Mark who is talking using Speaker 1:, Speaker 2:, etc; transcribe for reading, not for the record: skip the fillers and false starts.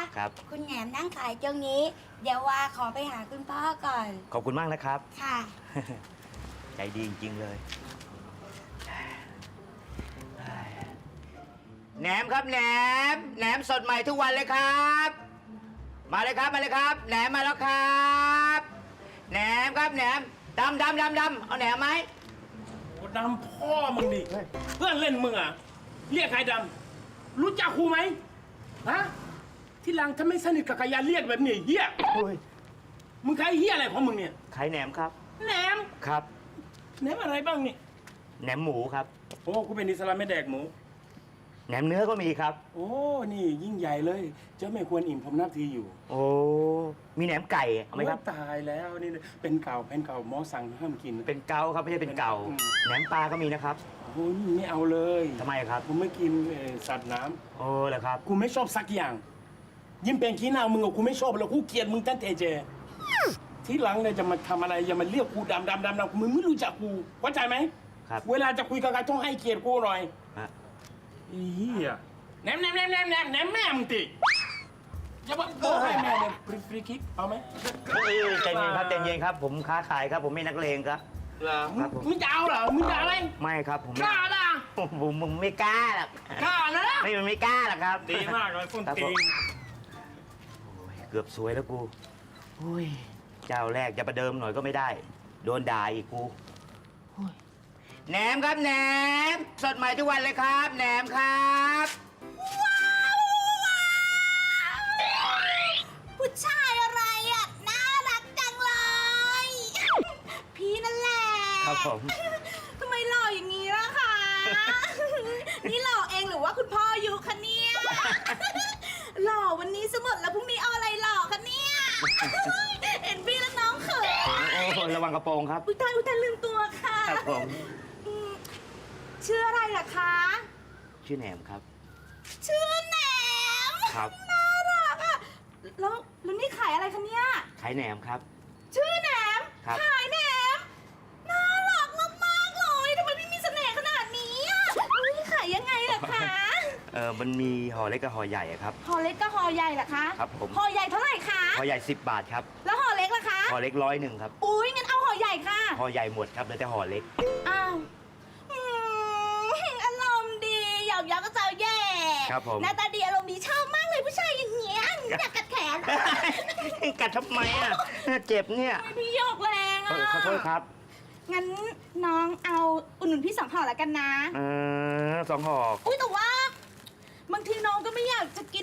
Speaker 1: ครับ
Speaker 2: คุณแหนมนั่งขายตรงนี้ เดี๋ยวว่าขอไปหาคุณพ่อก่อน
Speaker 1: ขอบคุณมากนะครับ
Speaker 2: ค่ะ
Speaker 1: ใจดีจริงๆเลยแหนมครับแหนมแหนมสดใหม่ทุกวันเลยครับ มาเลยครับมาเลยครับแหนมมาแล้วครับแหนมครับแหนมดำเอาแหนมไหม
Speaker 3: โอ้ดำพ่อมึงดิเพื่อนเล่นมึงอ่ะเรียกใครดำรู้จักครูไหมฮะที่หลังถ้าไม่สนิทกับกายาเรียกแบบนี้เฮีย
Speaker 1: โอ้ย
Speaker 3: มึงใครเฮียอะไรของมึงเนี่ย
Speaker 1: ขายแหนมครับ
Speaker 3: แหนม
Speaker 1: ครับ
Speaker 3: แหนมอะไรบ้างนี่
Speaker 1: แหนมหมูครับ
Speaker 3: โอ้กูเป็นอิสลามไม่แดกหมู
Speaker 1: แหนมเนื้อก็มีครับ
Speaker 3: โอ้นี่ยิ่งใหญ่เลยเจ้าไม่ควรอิ่มผมนับทีอยู่
Speaker 1: โอ้มีแหนมไก่เอาไหมครับ
Speaker 3: โอ้ตายแล้วนี่เป็นเก่าหมอสั่งห้ามกิน
Speaker 1: เป็นเกาครับไม่ใช่เป็นเก่า
Speaker 3: อืม
Speaker 1: แหนมปลาก็มีนะครับ
Speaker 3: โอ้ยไม่เอาเลย
Speaker 1: ทำไมครับ
Speaker 3: กูไม่กินสัตว์น้
Speaker 1: โอ้เหรอครับ
Speaker 3: ำกูไม่ชอบสักอย่าง ยิ่งเป็นขี้หน้ามึงกับกูไม่ชอบเลยกูเกลียดมึงตั้งแต่เจ ที่หลังเนี่ยจะมาทำอะไรอย่ามาเรียกกูดำมึงไม่รู้จักกูเข้าใจไหม
Speaker 1: ครับ
Speaker 3: เวลาจะคุยกับใครต้องให้เกียรติกูหน่อย
Speaker 1: ฮะ
Speaker 3: อีเหี้ยแหนมแม่มึงติอย่าบอกให้แม่เนี่ยฟรีคิกเอาไหม
Speaker 1: ใจเย็นครับใจเย็นครับ ผมค้าขายครับ ผมไม่นักเลงครับ
Speaker 3: เหรอ
Speaker 1: ครับผม
Speaker 3: มึงจะเอาเหรอมึงจะอะไร
Speaker 1: ไม่ครับผม
Speaker 3: ก
Speaker 1: ไม่
Speaker 3: ล้าล่ะ
Speaker 1: ผมไม่กล้าหรอก
Speaker 3: กล้านะ
Speaker 1: ไม่กล้าหรอกครับ
Speaker 3: ดีมากเลยส้น
Speaker 1: ครับ
Speaker 3: ตี
Speaker 1: ผม
Speaker 3: น
Speaker 1: โอ้ยเกือบสวยแล้วกูโอ้ยเจ้าแรกจะประเดิมหน่อยก็ไม่ได้ โดนด่าอีกกูโอ้ยแหนมครับแหนม สดใหม่ทุกวันเลยครับ แหนมครับ
Speaker 2: ผู้ชายอะไรอ่ะ น่ารักจังเลย พี่นั่นแหละ
Speaker 1: ครับผม
Speaker 2: ทำไมหล่ออย่างนี้ล่ะคะ นี่หล่อเองหรือว่าคุณพ่ออยู่คะเนี่ย หล่อวันนี้สมดแล้วพรุ่งนี้เอาอะไรหล่อคะเนี่ย เห็นพี่แล้วน้องเขิน
Speaker 1: โอ้ยระวังกระโปรงครับ
Speaker 2: อุยตายลืมตัวค่ะ
Speaker 1: ครับผม
Speaker 2: อืมชื่ออะไรล่ะคะ
Speaker 1: ชื่อแหนมครับ
Speaker 2: ชื่อแหนม
Speaker 1: ครับ
Speaker 2: น่ารักอ่ะแล้วนี่ขายอะไรคะเนี่ย
Speaker 1: ขายแหนมครับ
Speaker 2: ชื่อแหนม
Speaker 1: ครับ
Speaker 2: ขายแหนม น่ารักมากๆเลยทำไมพี่มีเสน่ห์ขนาดนี้อ่ะอุ๊ยขายยังไงล่ะคะ
Speaker 1: มันมีห่อเล็กกับห่อใหญ่อะครับ
Speaker 2: ห่อเล็กกับห่อใหญ่ล่ะคะ
Speaker 1: ครับผม
Speaker 2: ห่อใหญ่เท่าไหร่คะ
Speaker 1: ห่อใหญ่10 บาทครับ
Speaker 2: แล้วห่อเล็กล่ะคะ
Speaker 1: ห่อเล็ก100ครับ
Speaker 2: อุ้ยงั้นเอาห่อใหญ่ค่ะ
Speaker 1: ห่อใหญ่หมดครับเหลือแต่ห่อเล็ก
Speaker 2: อ้าวอารมณ์ดีหยอกก็เจ้าแย่
Speaker 1: ครับผม
Speaker 2: หน้าตาดีอารมณ์ดีชอบมากเลยผู้ชายอย่างเงี้ยอยากกัดแขน
Speaker 1: กัดทำไมอ่ะเจ็บเนี่ย
Speaker 2: พี่หยอกแรงอ่ะ
Speaker 1: ขอโทษครับ
Speaker 2: งั้นน้องเอาอุ่นหนุนพี่2 ห่อแล้วกันนะ
Speaker 1: 2 ห่อ
Speaker 2: อุ้ยแต่ว่าบางทีน้องก็ไม่อยากจะกิน